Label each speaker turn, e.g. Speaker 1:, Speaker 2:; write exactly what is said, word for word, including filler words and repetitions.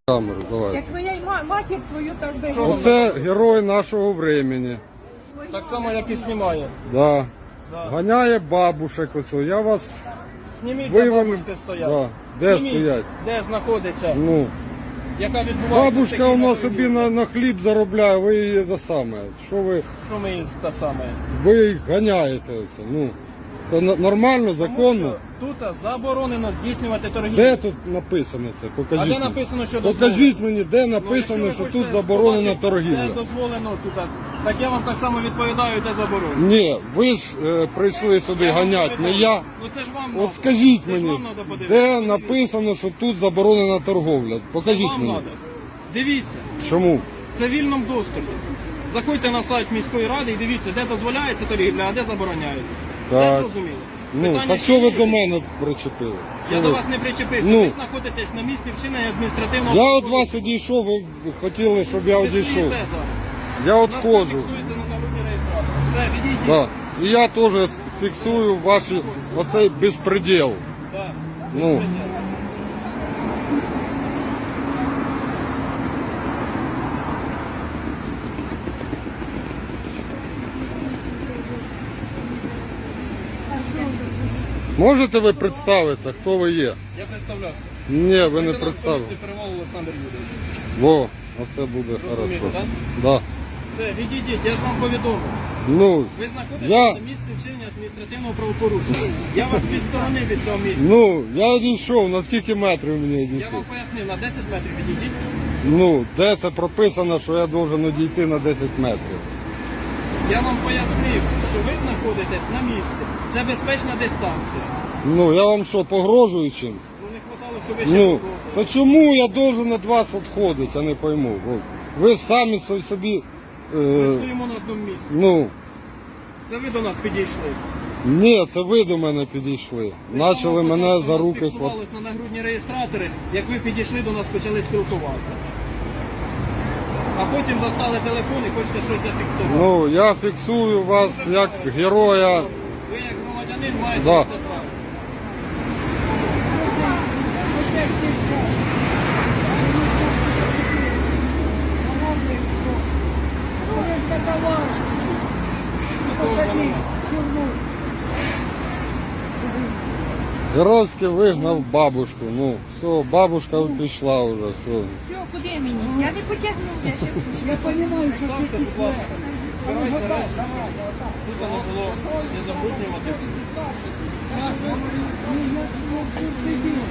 Speaker 1: Камеру, давай.
Speaker 2: Як ви й ма- матір свою так би.
Speaker 1: Оце герой нашого времени.
Speaker 3: Так само, як і знімає.
Speaker 1: Да.
Speaker 3: Да.
Speaker 1: Ганяє бабушек ось. Я вас
Speaker 3: Зніміть, де
Speaker 1: виявив.
Speaker 3: бабушки стоять.
Speaker 1: Да. Де
Speaker 3: Зніміть,
Speaker 1: стоять?
Speaker 3: де знаходиться,
Speaker 1: Ну.
Speaker 3: яка відбувається.
Speaker 1: Бабушка
Speaker 3: такі
Speaker 1: у нас
Speaker 3: на
Speaker 1: собі на, на хліб заробляє, ви її за саме. Що ви,
Speaker 3: Що ми із та саме?
Speaker 1: ви їх ганяєте ось. Ну. Це на- нормально, законно.
Speaker 3: Тому що тут заборонено здійснювати торгівлю.
Speaker 1: Де тут написано це? Покажіть.
Speaker 3: А де
Speaker 1: мені.
Speaker 3: написано, що
Speaker 1: Покажіть мені, де
Speaker 3: Ну,
Speaker 1: написано,
Speaker 3: якщо
Speaker 1: що
Speaker 3: ви
Speaker 1: тут
Speaker 3: хочете
Speaker 1: заборонена
Speaker 3: побачити,
Speaker 1: торгівля.
Speaker 3: Де дозволено тут, так я вам так само відповідаю, де заборонено.
Speaker 1: Ні, ви ж е, прийшли сюди
Speaker 3: Я вам
Speaker 1: ганяти, не
Speaker 3: відповідаю.
Speaker 1: я.
Speaker 3: Ну це ж вам
Speaker 1: От
Speaker 3: надо.
Speaker 1: скажіть
Speaker 3: Це ж
Speaker 1: мені,
Speaker 3: вам надо подивитися.
Speaker 1: де написано, що тут заборонена торговля?
Speaker 3: Це
Speaker 1: Покажіть
Speaker 3: вам
Speaker 1: мені.
Speaker 3: надо. Дивіться,
Speaker 1: Чому?
Speaker 3: це в вільному доступі. Заходьте на сайт міської ради і дивіться, де дозволяється торгівля, а де забороняється. Все
Speaker 1: Так.
Speaker 3: зрозуміло.
Speaker 1: Ну,
Speaker 3: Питання
Speaker 1: так
Speaker 3: ще
Speaker 1: що ви
Speaker 3: є?
Speaker 1: до мене причепили?
Speaker 3: Я
Speaker 1: Що
Speaker 3: до
Speaker 1: ви?
Speaker 3: вас не причепився.
Speaker 1: Ну.
Speaker 3: Ви знаходитесь на місці вчинення адміністративного
Speaker 1: Я від
Speaker 3: правопорушення.
Speaker 1: вас одійшов, ви хотіли, щоб я
Speaker 3: Ви
Speaker 1: одійшов.
Speaker 3: стоїте зараз.
Speaker 1: Я
Speaker 3: У нас це
Speaker 1: відходжу.
Speaker 3: фіксується на народній реєстрації. Все, відійдіть.
Speaker 1: Да. І я теж фіксую ваші, оцей безпреділ.
Speaker 3: Да.
Speaker 1: Ну. Можете ви представитися, хто ви є?
Speaker 3: Я представлявся.
Speaker 1: Ні, ви не
Speaker 3: Лейтенант
Speaker 1: представили.
Speaker 3: поліції Перевал Олександр Юрійович.
Speaker 1: Во, оце буде
Speaker 3: Розумієте,
Speaker 1: хорошо.
Speaker 3: так?
Speaker 1: Да.
Speaker 3: Все, відійдіть, я ж вам повідомив.
Speaker 1: Ну,
Speaker 3: Ви знаходитесь
Speaker 1: Я-
Speaker 3: на місці вчинення адміністративного правопорушення. Я вас відсторонив від цього місця.
Speaker 1: ну, я одійшов, на скільки метрів мені
Speaker 3: Я
Speaker 1: одійти?
Speaker 3: вам пояснив, на десять метрів відійдіть.
Speaker 1: Ну, де це прописано, що я должен одійти на десять метрів?
Speaker 3: Я вам пояснив, що ви знаходитесь на місці. Це безпечна дистанція.
Speaker 1: Ну, я вам що, погрожую чимось?
Speaker 3: Ну не хватало, щоб ви ще
Speaker 1: Ну,
Speaker 3: погрожували.
Speaker 1: то чому я должен від вас відходити, я не пойму. От. Ви самі со- собі,
Speaker 3: Ми
Speaker 1: е,
Speaker 3: стоїмо на одному місці.
Speaker 1: ну,
Speaker 3: Це ви до нас підійшли.
Speaker 1: ні, це ви до мене підійшли. Начали
Speaker 3: Ми
Speaker 1: мене за
Speaker 3: нас
Speaker 1: руки хватати.
Speaker 3: фіксувались на нагрудні реєстратори, як ви підійшли до нас, почали спілкуватися. А потім достали телефон і хочете щось зафіксувати.
Speaker 1: Ну, я фіксую вас як героя.
Speaker 3: Ви як громадянин маєте
Speaker 1: Да.
Speaker 3: це право.
Speaker 1: Геройськи вигнав бабушку. Ну, все, бабушка пішла вже, все.
Speaker 2: Все, куди мені? Я не потягну, я ще я розумію, що
Speaker 3: Ставте, будь ласка. Збирайте речі, щоб тут не було не забруднювати.